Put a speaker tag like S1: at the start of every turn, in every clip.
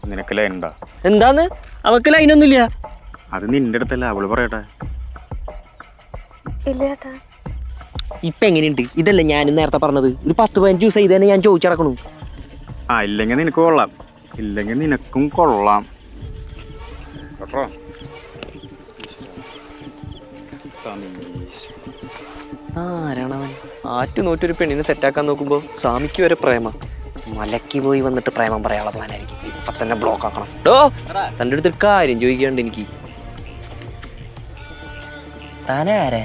S1: നിനക്ക് ലൈൻ ഉണ്ടാ?
S2: എന്താന്ന് അവക്ക് ലൈനൊന്നുമില്ല.
S1: അത് നിന്റെ അടുത്തല്ല, അവള് പറയട്ടെ.
S3: ഇല്ല ചേട്ടാ.
S2: ഇപ്പൊ എങ്ങനെയുണ്ട്? ഇതല്ലേ ഞാൻ നേരത്തെ പറഞ്ഞത്. ഇത് 10-15 ദിവസം ഇത് തന്നെ ഞാൻ ചോദിച്ചിടക്കണു.
S1: ആ, ഇല്ലെങ്കിൽ നിനക്ക് കൊള്ളാം, ഇല്ലെങ്കിൽ നിനക്കും കൊള്ളാം കേട്ടോ.
S2: ആരാണവൻ? ആറ്റു നോറ്റൊരു പെണ്ണിനെ സെറ്റാക്കാൻ നോക്കുമ്പോ സ്വാമിക്ക് വരെ പ്രേമ. മലക്ക് പോയി വന്നിട്ട് പ്രേമം പറയാനുള്ള പ്ലാനായിരിക്കും. ഇപ്പൊ തന്നെ ബ്ലോക്ക് ആക്കണം. ഡോ, തൻ്റെ അടുത്തൊരു കാര്യം ചോദിക്കാണ്ട് എനിക്ക്. താനാരാ?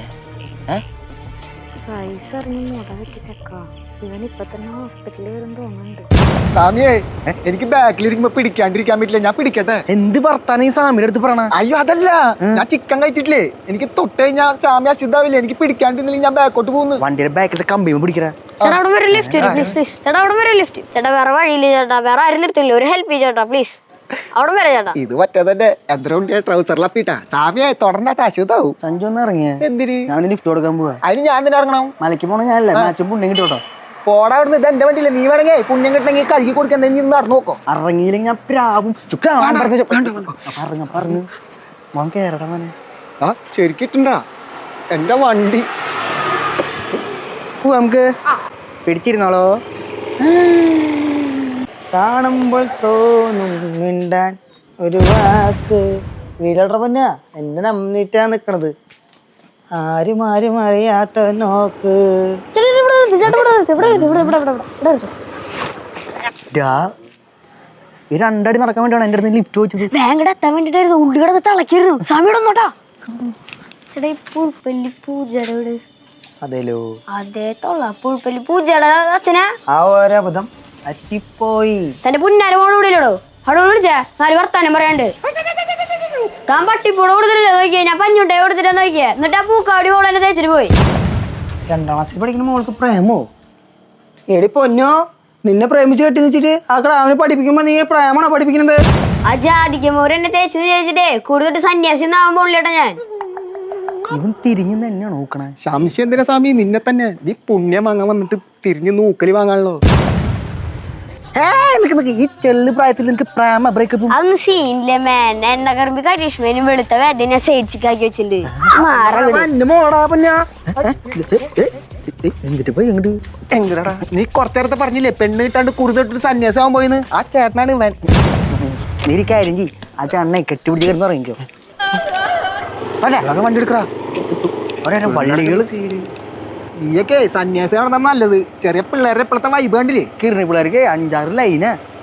S3: സൈസ് അറിഞ്ഞ് മുട വെക്ക് ചെക്ക. ഇവൻ ഇപ്പൊ തന്നെ ഹോസ്പിറ്റലിൽ വരും തോന്നുന്നുണ്ട്.
S4: സാമിയെ, എനിക്ക് ബാക്കിലിരിക്കുമ്പോ പിടിക്കാണ്ടിരിക്കാൻ പറ്റില്ല. ഞാൻ പിടിക്കട്ടെ?
S5: എന്ത് വർത്താനം ഈ സാമിയുടെ അടുത്ത് പറയണ?
S4: അയ്യോ അതല്ല, ഞാൻ ചിക്കൻ കഴിച്ചിട്ടില്ലേ, എനിക്ക് തൊട്ട് കഴിഞ്ഞാൽ സാമി അശുദ്ധാവില്ലേ. എനിക്ക് പിടിക്കാണ്ടിരുന്നില്ല ഞാൻ ബാക്കോട്ട് പോകുന്നു.
S5: വണ്ടിയുടെ ബാക്കിലത്തെ കമ്പിയും പിടിക്കറ.
S3: ചേട്ടാ അവിടെ വരെ ലിഫ്റ്റ് പ്ലീസ് പ്ലീസ്. ചേട്ടാ അവിടെ വരെ ലിഫ്റ്റ്. ചേട്ടാ വേറെ വഴിയില്ല ചേട്ടാ, വേറെ ആരും നിർത്തില്ല. ഒരു ഹെൽപ്പ് ചെയ്യ ചേട്ടാ പ്ലീസ്. അവിടെ വരെ ചേട്ടാ.
S4: ഇത് മറ്റേ തന്നെ എന്തരണ്ട് ട്രൗസറിലപ്പിട്ടാ. സാമിയെ തുടർന്നിട്ട് അശുദ്ധാവും.
S5: സഞ്ജു ഒന്ന് ഇറങ്ങിയ
S4: എന്തിന്?
S5: ഞാൻ ലിഫ്റ്റ് കൊടുക്കാൻ പോവാ.
S4: അതിന് ഞാൻ തന്നെ ഇറങ്ങണം?
S5: മലയ്ക്ക് പോണ ഞാനല്ലേ, മാച്ചും പുണ്യം കിട്ടോട്ടോ.
S4: പോടാ അവിടുന്ന്. ഇത് എന്റെ വണ്ടിയില്ല. നീ വേണമെങ്കിൽ പുണ്യം കിട്ടണമെങ്കിൽ കഴുകി കൊടുക്കാൻ നീ നടന്നു നോക്കോ.
S5: ഇറങ്ങിയില്ലെങ്കിൽ ഞാൻ പ്രാവും പറഞ്ഞു മോൻ കേറടാ മോനെ.
S4: ആ ശരിക്കിട്ടുണ്ടാ എന്റെ വണ്ടി.
S5: നമുക്ക് പിടിച്ചിരുന്നോളോ. കാണുമ്പോൾ തോന്നും മിണ്ടാൻ ഒരു വാക്ക്. വീലട പൊന്നാ, എന്നെ നമ്മിട്ടാ നിക്കണത്. ആരും ആരും അറിയാത്ത നോക്ക്. ഈ രണ്ടടി നടക്കാൻ വേണ്ടിയാണ് എന്റെ അടുത്ത് ലിഫ്റ്റ് വെച്ചത്.
S3: ബാങ്കടെ എത്താൻ വേണ്ടിട്ടായിരുന്നു. ഉള്ളിയുടെ തിളക്കിയിരുന്നു. സമയം ഒന്നോട്ടാ. ചേട്ടാ ഈ പുൽപ്പല്ലി പൂജയുടെ വീട്.
S5: അതേലോ,
S3: അതേ തൊള്ള പുൽപ്പല്ലി പൂജയുടെ അച്ഛനാ.
S5: ആ ഒരബദ്ധം പറ്റിപ്പോയി.
S3: തന്റെ പുന്നാര മോള് വിടില്ലടോ. അവിടെ വിളിച്ചാ 4 വർത്താനം പറയാണ്ട്. താൻ പട്ടിപ്പൂടെ കൊടുത്തിട്ടില്ല നോക്കിയേ. ഞാൻ പഞ്ഞുട്ടേ കൊടുത്തിട്ടാ നോക്കിയേ. എന്നിട്ട് ആ പൂക്കാടി മോളെ എന്നെ തേച്ചിട്ട് പോയി.
S5: 2ാം ക്ലാസ്സിൽ പഠിക്കുന്ന മോൾക്ക് പ്രേമോ? എടി പൊന്നോ, നിന്നെ പ്രേമിച്ച് കെട്ടി വെച്ചിട്ട് ആ ക്ലാവിനെ പഠിപ്പിക്കുമ്പോ നീ പ്രേമാണോ പഠിപ്പിക്കുന്നത്?
S3: ആ ജാതിക്കുമോര് എന്നെ തേച്ചു ചോദിച്ചിട്ടേ കൂടുതൽ സന്യാസി ആവാൻ പോണില്ലേട്ടാ ഞാൻ.
S5: ഇവൻ തിരിഞ്ഞു തന്നെയാണ് നോക്കണേ.
S4: സംശയം എന്തിനാ സാമി? നിന്നെ തന്നെ. നീ പുണ്യം വാങ്ങാൻ വന്നിട്ട് തിരിഞ്ഞു നൂക്കല് വാങ്ങാണല്ലോ.
S5: ഈ ചെള്ളു പ്രായത്തിൽ നിനക്ക് പ്രേമ ബ്രേക്കപ്പ്
S3: അതൊന്നും സീനില്ലേ മാൻ. എണ്ണ കറുമ്പി കരിഷ്മേനും വെളുത്ത വേദന സൈഡ്സിക്കാക്കി വെച്ചിട്ടുണ്ട്.
S4: എങ്ങടാ നീ കുറച്ചേരത്തെ പറഞ്ഞില്ലേ പെണ്ണ് കിട്ടാണ്ട് കുറുതൊട്ട് സന്യാസമാൻ പോയിന്ന്? ആ ചേട്ടനാണ് ഇവൻ.
S5: നീ കാര്യം ചെയ്, ആ ചേട്ടനെ കെട്ടിപ്പിടിച്ച് കിടന്ന് ഇറങ്ങിക്കോ.
S4: വണ്ടി എടുക്കറാ.
S5: ഓരോ വള്ളികള്.
S4: നീയൊക്കെ സന്യാസി കാണുന്ന നല്ലത്. ചെറിയ പിള്ളേരുടെ ഇപ്പോഴത്തെ വൈബ് കണ്ടില്ലേ?
S5: കിരണി പിള്ളേർക്ക് 5-6 ലൈന്